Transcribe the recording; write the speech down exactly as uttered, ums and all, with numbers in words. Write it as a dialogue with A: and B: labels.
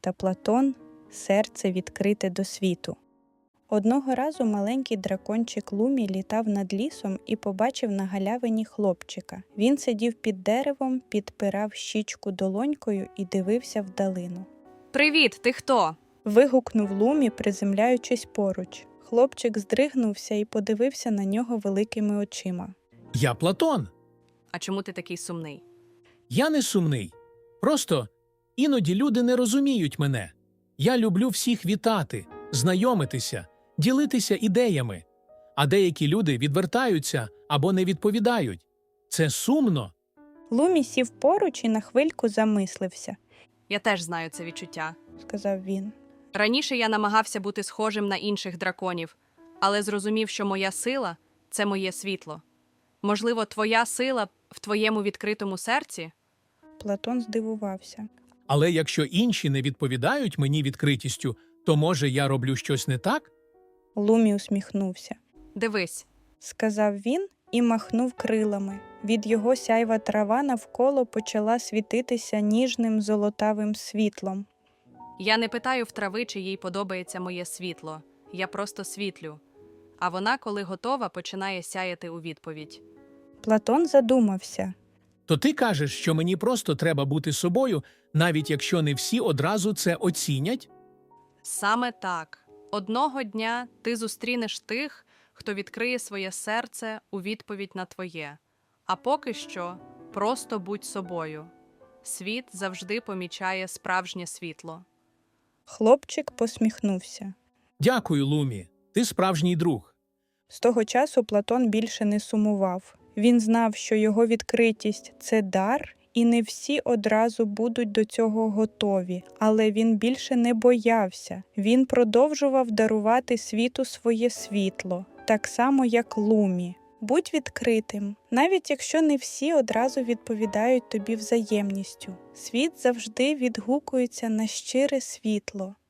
A: та Платон – серце відкрите до світу. Одного разу маленький дракончик Лумі літав над лісом і побачив на галявині хлопчика. Він сидів під деревом, підпирав щічку долонькою і дивився вдалину.
B: «Привіт, ти хто?»
A: – вигукнув Лумі, приземляючись поруч. Хлопчик здригнувся і подивився на нього великими очима.
C: Я Платон.
B: А чому ти такий сумний?
C: Я не сумний. Просто іноді люди не розуміють мене. Я люблю всіх вітати, знайомитися, ділитися ідеями. А деякі люди відвертаються або не відповідають. Це сумно.
A: Лумі сів поруч і на хвильку замислився,
B: Я теж знаю це відчуття.
A: сказав він.
B: Раніше я намагався бути схожим на інших драконів, але зрозумів, що моя сила – це моє світло. Можливо, твоя сила в твоєму відкритому серці?
A: Платон здивувався.
C: Але якщо інші не відповідають мені відкритістю, то, може, я роблю щось не так?
A: Лумі усміхнувся.
B: Дивись,
A: Сказав він і махнув крилами. Від його сяйва трава навколо почала світитися ніжним золотавим світлом.
B: я не питаю в трави, чи їй подобається моє світло. Я просто світлю. А вона, коли готова, починає сяяти у відповідь.
A: Платон задумався.
C: То ти кажеш, що мені просто треба бути собою, навіть якщо не всі одразу це оцінять?
B: Саме так. Одного дня ти зустрінеш тих, хто відкриє своє серце у відповідь на твоє. А поки що просто будь собою. Світ завжди помічає справжнє світло.
A: Хлопчик посміхнувся.
C: Дякую, Лумі. Ти справжній друг.
A: З того часу Платон більше не сумував. Він знав, що його відкритість – це дар, і не всі одразу будуть до цього готові. Але він більше не боявся. Він продовжував дарувати світу своє світло, так само, як Лумі. Будь відкритим, навіть якщо не всі одразу відповідають тобі взаємністю. Світ завжди відгукується на щире світло.